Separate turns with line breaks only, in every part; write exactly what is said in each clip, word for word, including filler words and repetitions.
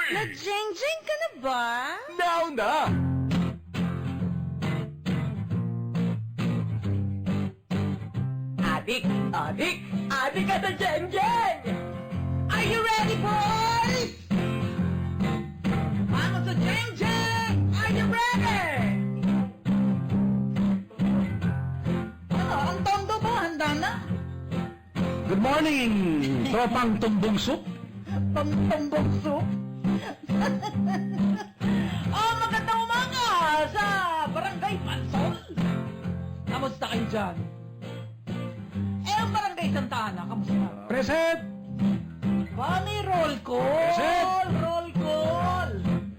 Nag-jeng-jeng ka na ba?
Now na!
Adik! Adik! Adik ka sa Jeng-Jeng! Are you ready, boys? Vamos sa Jeng-Jeng! Are you ready? Ano, ang tondo ba? Handa na?
Good morning, tropang tumbong soup.
Pamtumbong soup? Oh, magandang umaga sa Barangay Pansol. Kamusta kayo dyan? Eh, ang Barangay Santa Ana, kamusta?
Present!
Mami, roll call!
Present!
Roll call!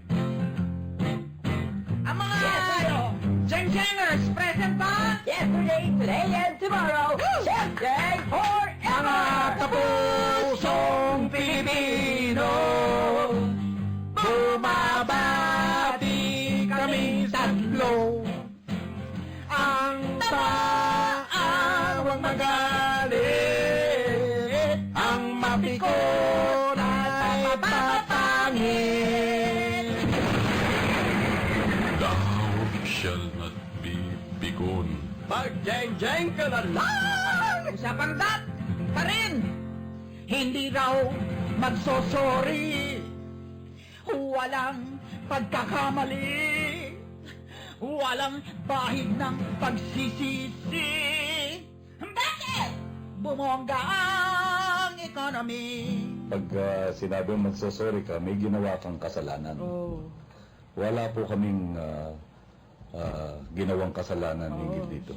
Ang mga Jeng-Jengers, present ba? Yesterday, today, and tomorrow. Jeng-Jeng forever!
Mga kapusong Pilipino, bumabati kami tatlo. Ang taawang magalit, ang mapikon ay papangit.
Thou shall not be begone.
Mag-jeng-jeng ka na lang! Usapang dat pa rin! Hindi raw magsosorry. Walang pagkakamali. Walang bahid ng pagsisisi. Bakit? Bumongga ang economy.
Pag ah, sinabi mong magsosorry ka, may ginawa kang kasalanan.
Oh.
Wala po kaming ah, ah, ginawang kasalanan hinggil dito.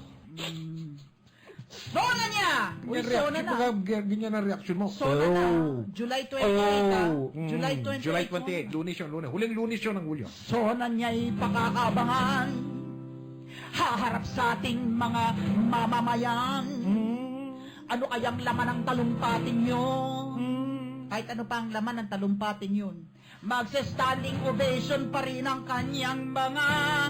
Sona niya! Uy, sona na.
Ganyan ang reaction mo.
Sona na. July twenty-eight, ah.
mm,
July twenty-eight.
July twenty-eight, lunes yun, lunes. Huling lunes yun ng Hulyo.
Sona niya'y pakakabangan. Haharap sa ating mga mamamayan. Ano kayang laman ng talumpatin yun? Kahit ano pa ang laman ng talumpatin yun. Magsa-standing ovation pa rin ang kanyang mga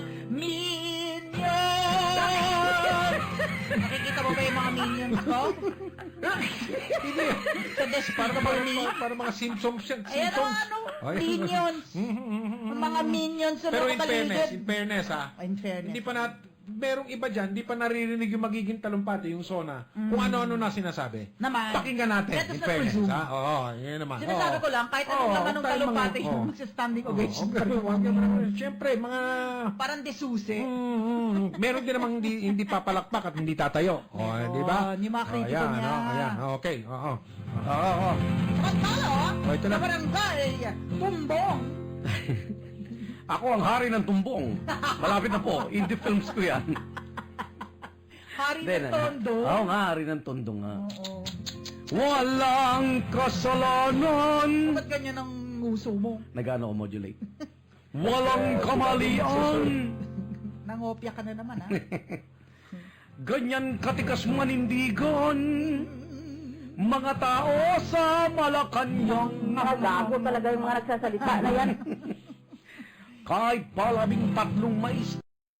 minions. Nakikita mo ba yung mga minions ko?
Hindi.
Sa desk
Para
para
mga, para mga Simpsons yan.
Ayan ang
Simpsons.
ano,
Ay.
minions. Mga minions sa
Pero
mga
in fairness,
paligid.
in fairness ha,
In fairness.
hindi pa na, merong iba dyan, hindi pa naririnig yung magiging talumpati, yung Sona, kung ano-ano na sinasabi.
Naman.
Pakinggan natin,
Let us
in
not
fairness
presume.
ha. Oo, yun naman.
Sinasabi
Oo.
ko lang, kahit anong
Oo,
laman ng
huwag tayong
talumpati
mga-
yung
oo.
magsa-standing
Oo,
ovation pa rin.
huwag- huwag- Siyempre, mga...
Parang desusi.
Mm, mm, meron din namang hindi, hindi papalakpak at hindi tatayo. O,
Oo,
di ba?
yung mga kritiko
ayan,
niya.
oh, ayan, okay. Oo. Oo, oo.
Samantala,
Oh, ito na.
sa barangay, tumbong.
Ako ang hari ng tumbong. Malapit na po. Indie films ko yan.
Hari
Then,
ng tondo.
Oo nga, hari ng tondo nga.
Oo.
Walang kasalanan.
Ba't ganyan ang nguso mo?
Nag-ano ko modulate. Walang kamalian.
Nangopya ka na naman, ha?
Ganyan katikas manindigan. Mga tao sa Malacanang.
Mga gago talaga yung mga nagsasalita na yan.
Kahit palabing tatlong maestrado.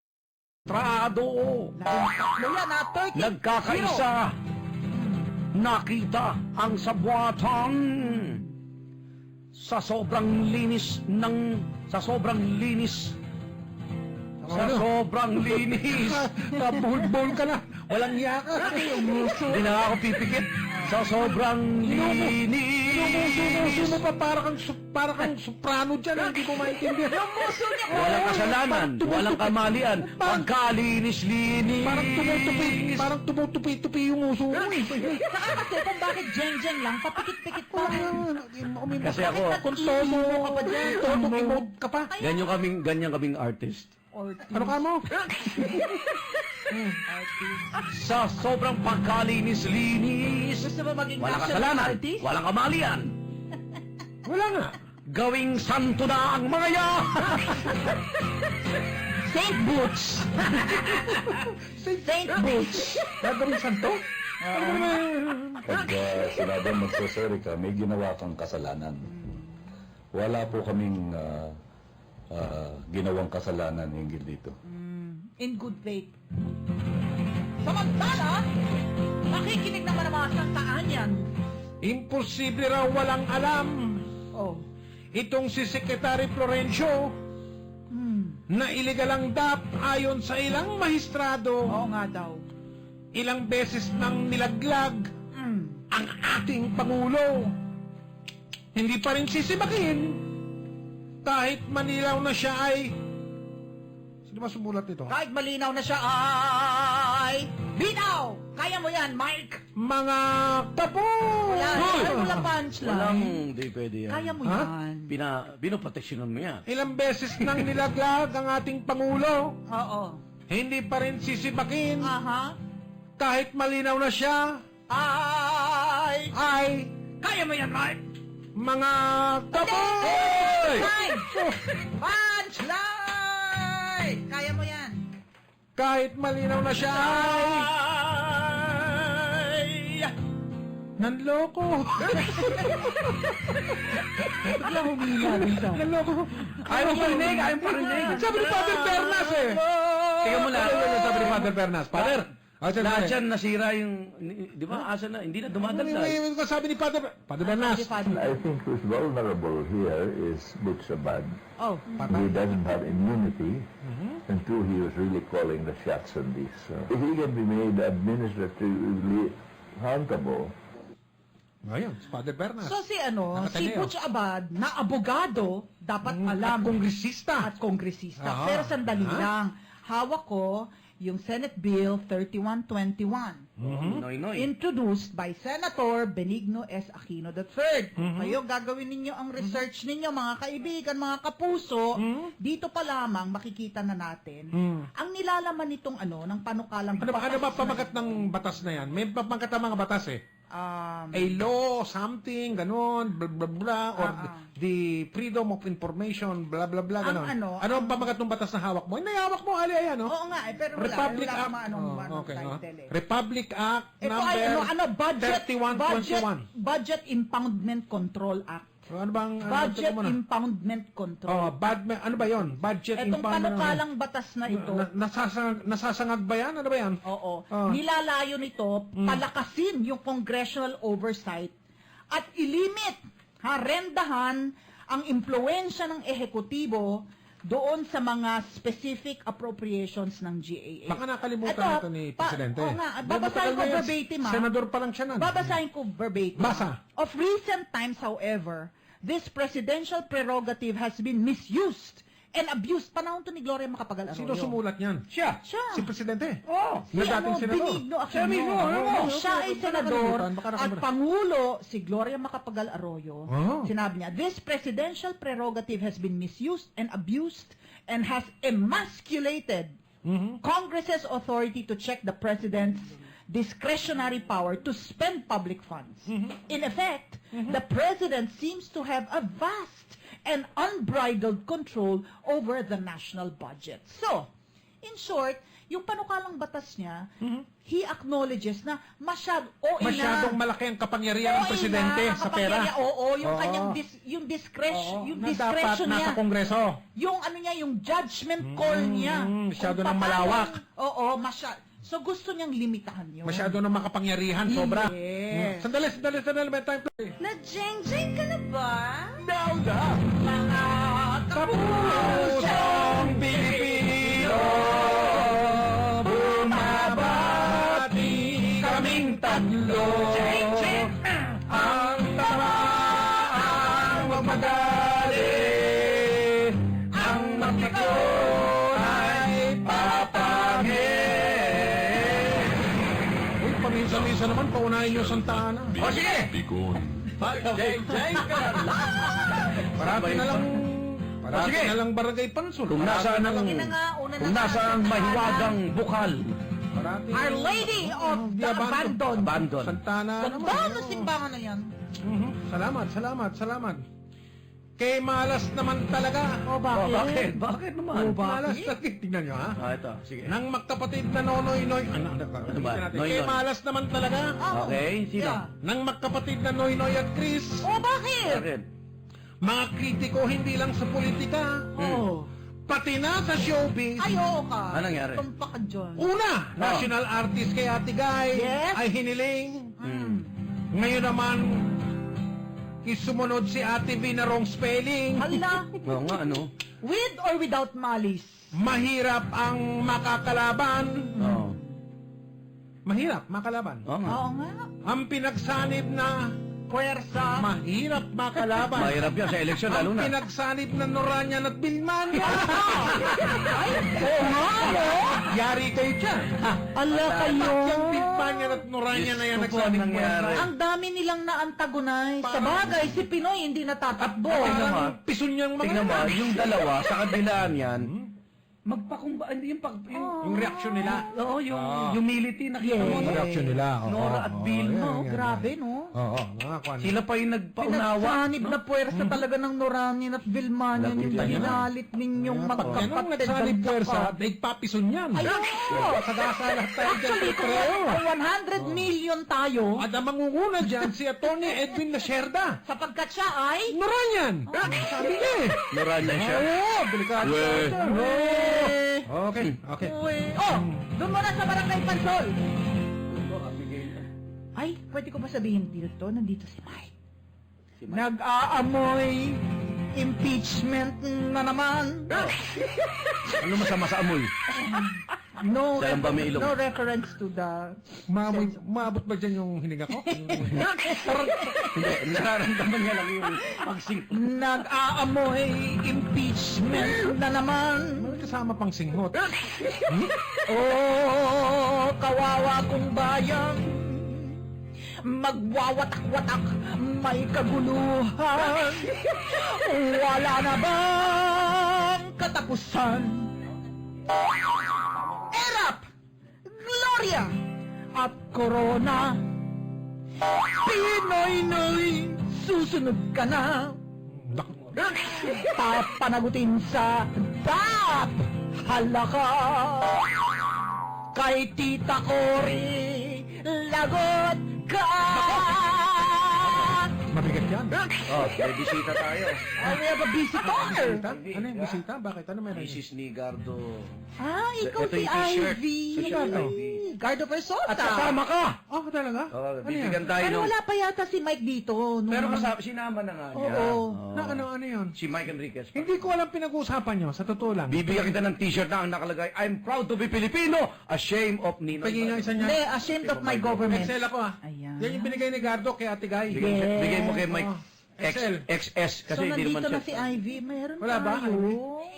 Tatlo yan, ha? thirty.
Nagkakaisa. Nakita ang sabuatan. Sa sobrang linis ng... Sa sobrang linis. Sa
Ano?
sobrang linis.
Kabul-bul ka na. Walang iya ka.
Hindi na ako pipikit. Sa sobrang linis.
Inumuso mo pa para kang, su- para kang soprano dyan. Hindi ko maintindihan.
Walang kasalanan. Walang kamalian. Pagkalinis-linis.
Parang tumutupi, parang tumutupi-tupi yung uso mo. eh.
Saka kasi kung bakit jeng-jeng lang, papikit-pikit pa.
Kasi ako,
Kung todo ka pa dyan, todo emote ka pa.
ganyan kaming, ganyan kaming artist.
Ano ka mo?
Sa sobrang pagkalinis-linis.
Gusto mo maging
Walang
national
kasalanan.
artist?
Walang kamalian.
Wala nga.
Gawing santo na ang mga ya.
Saint Boots. Saint Boots.
Gagawin santo?
Pag ah, sinabi mong magsosorry ka, may ginawa kang kasalanan. Wala po kaming ah, ah, ginawang kasalanan hinggil dito.
In good faith. Samantala, nakikinig naman ang mga santaan yan.
Imposible raw walang alam.
Oh.
itong si Secretary Florencio na illegal ang D A P ayon sa ilang mahistrado,
Oo nga daw.
ilang beses nang nilaglag
Mm.
ang ating Pangulo. Hindi pa rin sisibakin kahit manilaw na siya ay... Sino ba sumulat nito?
Kahit malinaw na siya ay... Bitaw! Kaya mo yan, Mike!
Mga kapo!
Wala,
Hoy!
wala, wala punchline.
Walang, di pwede yan.
Kaya mo
Ha?
yan.
Pina, binoproteksyonan mo yan.
Ilang beses nang nilaglag ang ating Pangulo.
Oo.
Hindi pa rin sisibakin
Aha.
kahit malinaw na siya
Ay!
ay
Kaya mo yan, Mike!
mga kapo!
Punchline! Punchline! Kaya mo yan.
Kahit malinaw na siya ay
Ay!
nanloko.
Bigla humina rin siya.
Nanloko.
Ayaw mo parinig, ayaw mo parinig.
Sabi ni Father Bernas eh.
Tingnan mo na.
Sabi ni Father Bernas. Father, ah, sabi-
Lahat yan nasira yung, di ba, asa na, hindi na
Wait,
dumadagdag.
wait, wait, sabi ni Father Father Bernas.
I think who's vulnerable here is Butch Abad.
Oh.
He doesn't have immunity, and two, he was really calling the shots on this. So if he can be made administratively accountable,
Ngayon, si Father Bernas.
So si ano, si
Nakataneo.
Butch Abad na abogado dapat alam
At kongresista.
at kongresista.
Aha.
Pero sandali
Ha?
lang. Hawak ko yung Senate Bill thirty-one twenty-one.
Noy, noy.
Introduced by Senator Benigno S. Aquino the third. Kayo, gagawin ninyo ang research ninyo, mga kaibigan, mga kapuso. Dito pa lamang makikita na natin ang nilalaman nitong ano, ng panukalang
Ano ba, ano ba
batas
pamagat
na ito.
ng batas na yan? May pamagat ng mga batas eh.
Um,
A law, something, ganon, blah, blah, blah, or
Ah, ah.
the freedom of information, blah, blah, blah,
Ang
ganon.
ano,
ano ang pamagat ng batas na hawak mo? Hindi, hawak mo, ali, ayan, no?
Oo nga, eh, pero wala.
Republic
wala
Act.
akong anong,
Oh,
anong
okay, oh.
title eh.
Republic Act
Ito
number
ay ano, ano, budget,
thirty-one
budget,
twenty-one.
budget Impoundment Control Act.
Ano bang, ano,
Budget
teka muna.
Impoundment Control.
Oh, bad, ano ba yon? Budget
Itong
impoundment.
panukalang batas na ito,
Na, nasasangag, nasasangag ba yan? Ano ba yan?
oo,
Ah.
nilalayo nito,
Mm.
palakasin yung congressional oversight at ilimit, ha, rendahan ang impluensya ng ehekutibo doon sa mga specific appropriations ng G A A.
Baka nakalimutan
Ito,
nito ni
pa-
Presidente.
oo nga,
Di,
babasahin
matagal
ko
na yan.
verbatim, ah.
Senador pa lang siya nun.
Babasahin ko verbatim.
Basa.
Of recent times, however, this presidential prerogative has been misused and abused. Panahon to ni Gloria Macapagal Arroyo.
Sino sumulat niyan?
Siya.
Siya.
Si Presidente.
Oh.
Si
Na dating
ano,
senador.
Benigno Aquino.
Siya mismo, ano mo?
Nung siya ay
Baka
senador
nakalimutan, baka
at
nakalimutan.
Pangulo si Gloria Macapagal Arroyo,
Oh.
sinabi niya, this presidential prerogative has been misused and abused and has emasculated
Mm-hmm.
Congress's authority to check the president's discretionary power to spend public funds.
Mm-hmm.
In effect, the president seems to have a vast and unbridled control over the national budget. So, in short, yung panukalang batas niya, he acknowledges na masyad, o ina,
Masyadong malaki ang kapangyarihan ng
oo,
Presidente
ina,
sa pera.
kapangyarihan, Oo, yung
Oo.
kanyang dis, yung discretion,
Oo,
yung
na dapat
discretion niya.
nasa Kongreso.
Yung ano niya, yung judgment call niya.
Mm, masyado
Kung
ng
paano-
malawak.
Oo, masyado. So gusto niyang limitahan yun.
Masyado ng makapangyarihan, sobra.
Yes.
Mm. Sandali, sandali, sandali. May time play.
Na-jeng-jeng ka na ba?
Daw da, mga
Kapusong Pilipino, bumabati kaming tatlo. Ang tamaang magmagali, ang magpiko ay papangin. Uy, paminsan-minsan naman, paunahin niyo Santa Ana.
O sige! Bigon.
Parati na lang, parati
Sige.
na lang barangay Pansol.
Kung
Parati
nasaan
na
ang,
lang,
Ina nga, una na
kung
nga,
nasaan ang
Santa
mahiwagang bukal.
parati.
Our Lady of
Di
the
abandon.
Abandon.
Abandon.
Santana naman.
Ganda
eh,
ng
oh.
simbahan na yan.
Mhm. Salamat, salamat, salamat. Kay malas naman talaga.
O
Oh, bakit?
bakit?
Bakit naman?
Malas talaga. Tingnan nyo ha.
Ah, ito. Sige.
Nang magkapatid na Nonoy Noy. Ano, ano,
Ano ba?
natin.
Noy
Kay
Noy.
malas naman talaga.
Oh,
Okay, sino?
yeah.
Nang magkapatid na Noy Noy at Chris.
O bakit?
Bakit?
Mga kritiko hindi lang sa politika.
Oh.
Pati na sa showbiz.
Ay, oo ka.
Anong nangyari?
Tumpa ka dyan.
Una, national artist kay Ate Guy
Yes.
ay hiniling.
Hmm.
Ngayon naman, Sumunod si Ate V na wrong spelling.
Hala,
Oo nga, ano?
with or without malice?
Mahirap ang makakalaban.
Oo.
Mahirap makalaban.
Oo nga.
Oo nga.
Ang pinagsanib na
Puwersa.
mahirap makalaban.
Mahirap yan sa eleksyon, lalo
Ang
na.
pinagsanib na Noranyan at Bilmania.
Ay, oo nga, no?
Yari kayo dyan.
Ala kayo.
Ba't yung Bilmania at Noranyan na yan
Diyos ko po,
nagsanib
ang nangyari.
mo?
Ang dami nilang na-antagonize. Sa
Parang-
bagay, si Pinoy hindi natatakbo.
Tingnan mo,
Parang pison niyang mga
Tingnan mo,
yan.
yung dalawa, sa kabilaan yan, magpakumba, hindi yung pag... Yung,
Yung reaksyon nila.
Oo, yung
Ah.
humility, nakita mo,
Yung
no?
reaksyon nila. oo,
Nora at
oo,
Bill,
yan,
no?
yan, yan.
Grabe, no?
Oo, mga kwan.
Sila pa yung nagpaunawa.
Pinagsanib na puwersa talaga ng Noranin at Vilmanian yung
Lagot yan.
ginalit ninyong
Pag ganun
magkapatid.
nagsanib
ang
puwersa,
saka.
daig papison yan.
Ayun!
Sagasa lahat tayo dyan
Actually, kung
pareho.
kung one hundred million tayo,
At ang mangunguna dyan, si Atty. Edwin Lacerda.
sapagkat siya ay...
Noranyan! Sabi niya eh.
Noranya siya.
Oo, delikado.
Weh.
Eh,
Okay, okay.
uwe. Oh, doon muna sa Barangay Pansol. Ay, pwede ko ba sabihin dito? Nandito si Mike. Nag-aamoy impeachment na naman.
Ano masama sa amoy?
No,
Saan ba may ilong?
no reference to the...
Maamoy, maabot ba dyan yung hininga ko?
Hindi, nararamdaman niya lang yung pagsing.
Nag-aamoy impeachment na naman.
May kasama pang singhot.
Oh, kawawa kong bayan. Magwawatak-watak, may kaguluhan. Wala na bang katapusan? Erap! Gloria! At Corona. Pinoy-noy, susunod ka na. Papanagutin sa D A P. Halaka. Kay Tita Cory, lagot ka.
Mabigat yan.
Oh, may bisita tayo.
Oh, we have a visitor.
Bisita? Ano yung bisita? Bakit? Ano meron?
Missus Nigardo.
Ah, ikaw
Ito
si
yung t-shirt.
Ivy.
Sino ba ito?
Gardo Persota.
At kasama ka!
Oh, talaga?
Oh,
Ano yan?
bibigyan tayo
Pero
nung...
wala pa yata si Mike dito. nung-
Pero kasama, sinama na nga niya.
Oo.
Oh.
Na ano, ano yun?
Si Mike Enriquez. pa.
Hindi ko alam pinag-uusapan nyo, sa totoo lang.
Bibigyan kita ng t-shirt na ang nakalagay, I'm proud to be Filipino, ashamed of Ninoy.
Pagiging nga isa niya.
Hindi, ashamed of my government.
Excel ako ah.
Ayan.
Yan yung binigay ni Gardo kay Ate Guy.
Bigay,
Yes.
bigay mo kay Mike
Oh.
X,
Excel.
X S
So,
kasi hindi
nandito
naman
na si Ivy. Meron
Wala ba,
tayo.
Ivy?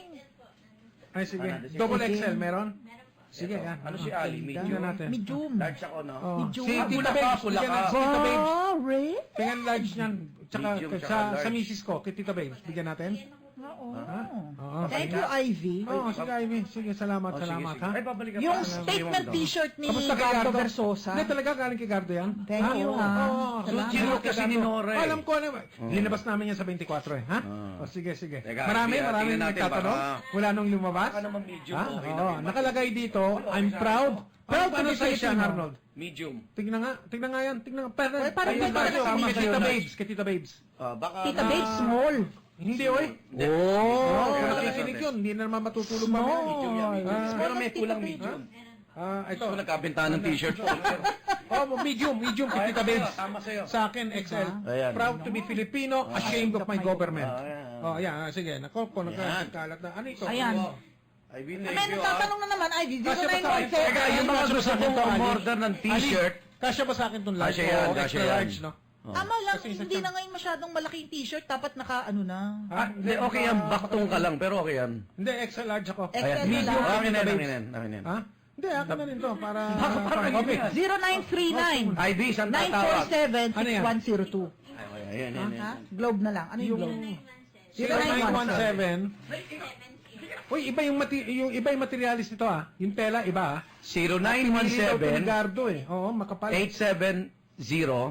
Ay, sige. Double
Sige.
X L, meron? Sige, yan.
Ano si Ali?
Tingnan
Medium.
natin.
Medium.
Large ako, no?
Oh.
Medyo
Si
ah,
Tita
pula ka,
Babes.
pula
Bigyan
ka.
natin si Tita Babes.
Sorry.
Tingnan large niyan. Tsaka,
Medium, tsaka
sa,
large.
sa misis ko, kay Tita Babes. Bigyan natin.
Oo.
Oo.
Thank you, Ivy.
Oo, sige Ivy. Sige, salamat,
Oh, sige,
salamat
sige.
ha.
Ay, babalik ka
Yung
pa.
statement t-shirt ni
Kamusta kay
Gardo
Gardo?
Versosa.
Hindi talaga galing kay Gardo yan.
Thank
Ha?
you,
Oo,
ha.
oo.
Salamat.
Sinunod kasi ni Nora eh.
Alam ko ano. Linabas namin yan sa twenty-four eh. Ha?
Ah.
O sige, sige.
Teka,
Marami,
tingnan
marami
natin,
nagtatanong.
baka-
Wala nung lumabas.
Baka naman medium,
Ha?
okay
Oo,
na.
nakalagay dito, I'm proud. Proud
to
ano
be
sa siya,
Filipino.
Arnold?
Medium.
Tignan nga, tignan nga yan, tignan nga. Pero,
Ay, parang
ayun,
may
tayo,
kasama
kay
sa'yo,
Tita
Nats.
Babes, kay Tita Babes.
Ah, baka
Tita Babe, small.
Hindi, oy.
Oo.
Oo,
Okay,
nakikinig yun. Hindi na naman matutulog
Small.
mamaya.
Medium yan, medium.
Ah.
Pero may kulang medium.
Ah, ito.
Ito, nagkabentahan ng t-shirt ko.
Oh, medium, medium kay Tita Babes.
Tama sa'yo.
Sa akin, X L.
Ayan.
Proud to be Filipino, ashamed of my government.
Ah, ayan.
Oh, ayan. ah, Sige, nako po, nagkalat na. Ano ito?
Ayan.
I will
May
thank you, ah.
nagtatanong na naman, Ivy.
Kasya ba sa akin?
zero nine one seven.
Teka,
Yung mga gusto kong umorder ng t-shirt,
Ali, kasya ba sa akin itong large?
Kasya yan,
Oo,
kasya
extra
yan.
large, no?
Tama lang,
Kasi isa
hindi
siyang-
na ngayon masyadong malaki yung t-shirt. Dapat naka, ano na.
Ah,
hindi, okay yan. Baktong ka lang, pero okay yan.
Hindi, extra large ako.
X L
Ayan.
na
Medium.
lang.
Akin yan,
Babes.
akin yan, akin yan.
Ha? Hindi, akin na rin to. Para...
Baka parang
para-
hindi yan.
zero nine three nine
I D, saan
nine four
tatawag?
seven
Ano
six
yan?
one zero two.
Ayan, ayan, ayan.
Ha? Globe na lang. Ano yung globe?
zero nine one seven Uy, iba yung, mati yung iba yung materialis nito ah. Yung tela, iba ah.
zero nine one
Pinili daw ito ni
seven
Gardo eh. Oo, makapal.
eight seven zero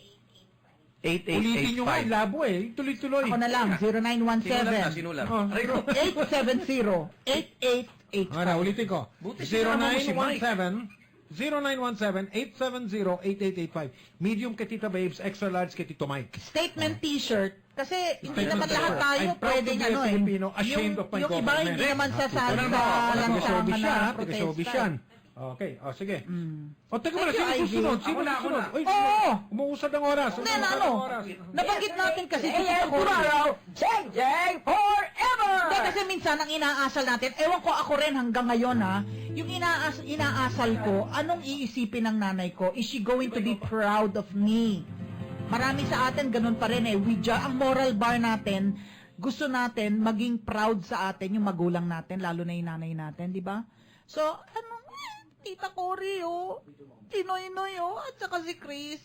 eight eight
Ulitin
eight
nyo nga,
five.
labo eh. Tuloy-tuloy.
Ako na lang, zero nine one
Sinulat na,
seven
sinulat.
Oh.
Aray ko.
eight seven zero eight eight eight
Ano, ulitin ko.
Buti
zero
sinama mo
nine
si
one
Mike.
seven zero nine one seven eight seven zero eight eight eight five. Medium kay Tita Babes, extra large kay Tito Mike.
Statement t-shirt. Kasi hindi
Statement
naman lahat
t-shirt.
tayo
I'm proud to
pwedeng
be a
ano eh.
Filipino, ashamed
Yung,
of my
yung iba
government.
hindi naman sasali
Ano
sa
na,
lansangan
Taga-showbiz
na
yan, ha?
protesta.
Taga-showbiz yan. Okay, o sige.
Mm.
O, teka muna,
Thank you,
sino
Ivy.
susunod? Sino
Ako na, ako
susunod?
na.
Uy,
Oo!
umuusad ang oras.
Hindi,
Umuusad
na
ang
ano?
oras.
Nabanggit natin kasi dito sa Cory.
J J forever!
Hindi, kasi minsan ang inaasal natin, ewan ko ako rin hanggang ngayon ha, yung inaas inaasal ko, anong iisipin ng nanay ko? Is she going to be proud of me? Marami sa atin ganun pa rin eh. We ju- ang moral bar natin, gusto natin maging proud sa atin yung magulang natin, lalo na yung nanay natin, di ba? So, ano, Tita Cory, oh. Tinoy-noy, oh. At saka si Chris.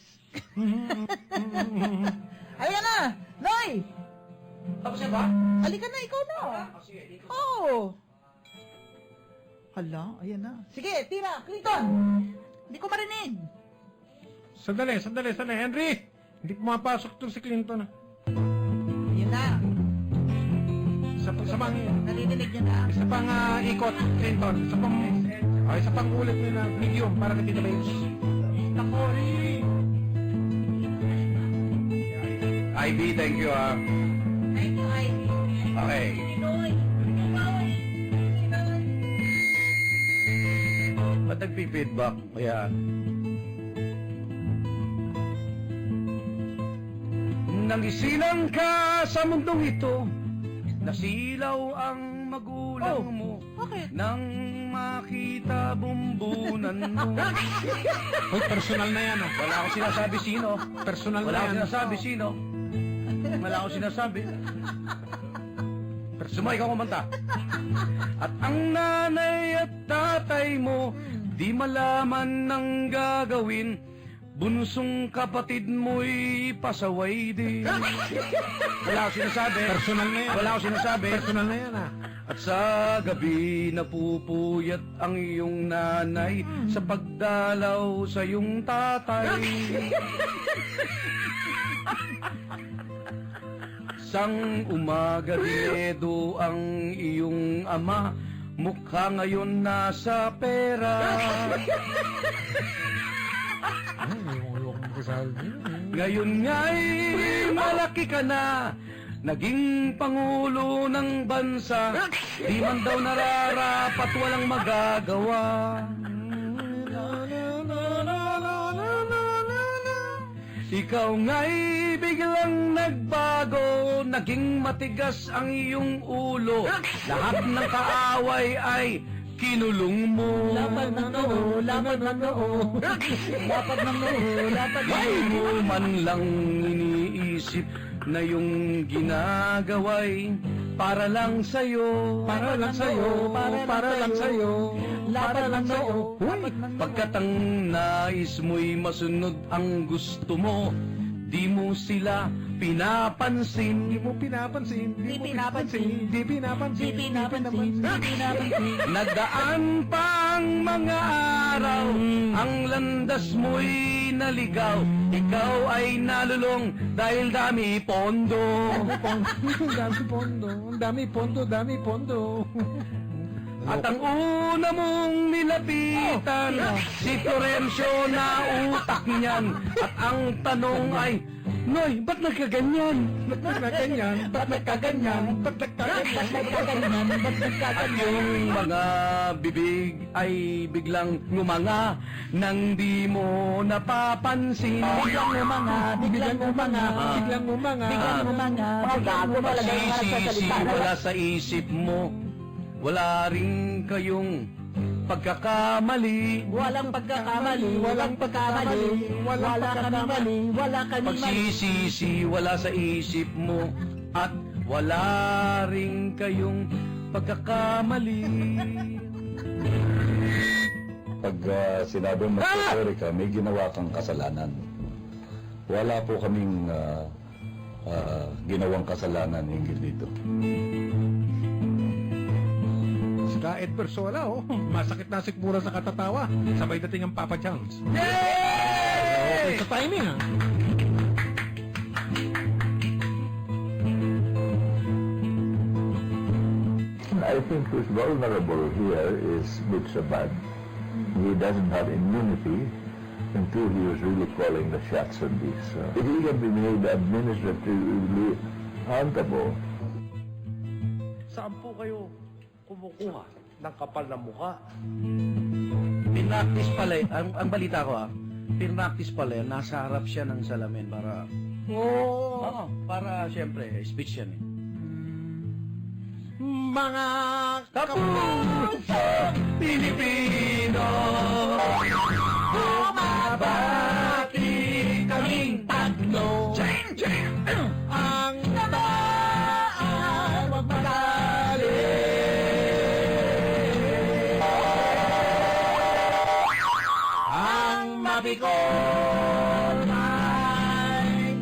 Halika na! Noy!
Tapos na ba?
Halika na, ikaw na. Oo. Oh. Hala, ayan na. Sige, tira, Clinton. Hindi ko marinig.
Sandali, sandali, sandali. Henry! Hindi pumapasok to si Clinton.
Ayan na.
Isa, pa- isa pang,
Narinig niya na.
isa pang ah, ikot, Clinton. Isa pang, oh, isa pang ulit mo na medium para kay Tita Babes. Tita Cory!
Ivy, thank you ah.
Thank you, Ivy.
Okay.
Pinoy.
Ba't nagpi-feedback? Kaya... Nangisilang ka sa mundong ito, nasilaw ang magulang
Oh,
mo.
bakit?
Nang makita bumbunan mo.
Uy, personal na yan, oh.
Wala akong sinasabi sino.
Personal
Wala
na
akong
yan.
sinasabi sino. Wala akong sinasabi. Sumay ka kumanta. At ang nanay at tatay mo, di malaman ng gagawin. Bunsong kapatid mo'y pasaway din. Wala akong sinasabi.
Personal na yan.
Wala akong sinasabi.
Personal na yan, ah.
At sa gabi napupuyat ang iyong nanay sa pagdalaw sa iyong tatay. Sang umaga dinedo ang iyong ama, mukha ngayon nasa pera. Ngayon nga'y malaki ka na, naging pangulo ng bansa, di man daw nararapat walang magagawa. Ikaw nga'y biglang nagbago, naging matigas ang iyong ulo. Lahat ng kaaway ay kinulong mo.
Lapad ng noo, lapad ng noo. Lapad ng noo, lapad ng
Di
noo.
mo man lang iniisip na yung ginagaway para lang sa'yo.
Para lang sa'yo, para lang sa'yo.
Lapad ng noo, lapad ng noo.
Pagkat ang nais mo'y masunod ang gusto mo, di mo sila pinapansin.
Di mo pinapansin.
Di pinapansin.
Di pinapansin.
Di pinapansin, di pinapansin.
Nagdaan pa ang mga araw, ang landas mo'y naligaw. Ikaw ay nalulong dahil dami pondo.
Ang dami pondo. Ang dami pondo, dami pondo.
At ang una mong nilapitan, si Florencio na utak niyan. At ang tanong ay, Noy, ba't nagkaganyan?
Ba't nagkaganyan? Ba't nagkaganyan? Ba't nagkaganyan?
Nagkaganyan, ba't
At
nagkaganyan?
yung mga bibig ay biglang ngumanga nang di mo napapansin.
Biglang umanga, biglang umanga,
Biglang umanga.
biglang umanga.
Mga gago talaga yung mga
Sisi,
nagsasalita na
wala sa isip mo. Wala rin kayong pagkakamali.
Walang pagkakamali, walang pagkamali, wala kami mali, wala kami mali.
Pagsisisi, wala sa isip mo. At wala rin kayong pagkakamali.
Pag uh, sinabi mo sorry ka, may ginawa kang kasalanan. Wala po kaming ah, ah, ginawang kasalanan hinggil dito.
Si Kaet Persola, oh. Masakit na sikmura sa katatawa. Sabay dating ang Papa Chunks. Okay sa timing, ah.
I think who's vulnerable here is Bitsabad. He doesn't have immunity until he was really calling the shots on this. Uh, if he can be made administratively accountable,
Saan po kayo kumukuha ng kapal na mukha? pinractice pala, eh. ang, ang balita ko ah, pinractice pala, eh, nasa harap siya ng salamin para,
Oo.
oo, para siyempre, speech yan eh.
Mga
Kapusang Pilipino, bumabati kaming tatlo.
ang
Namaan, wag magalit.
ang
Mabikol ay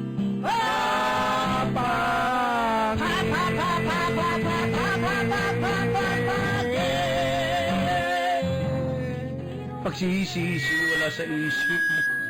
mapang
Hap, hap, hap, hap, hap, hap, hap, hap, hap, hap, hap, hap, yeah.
Pagsisisi wala sa isip mo.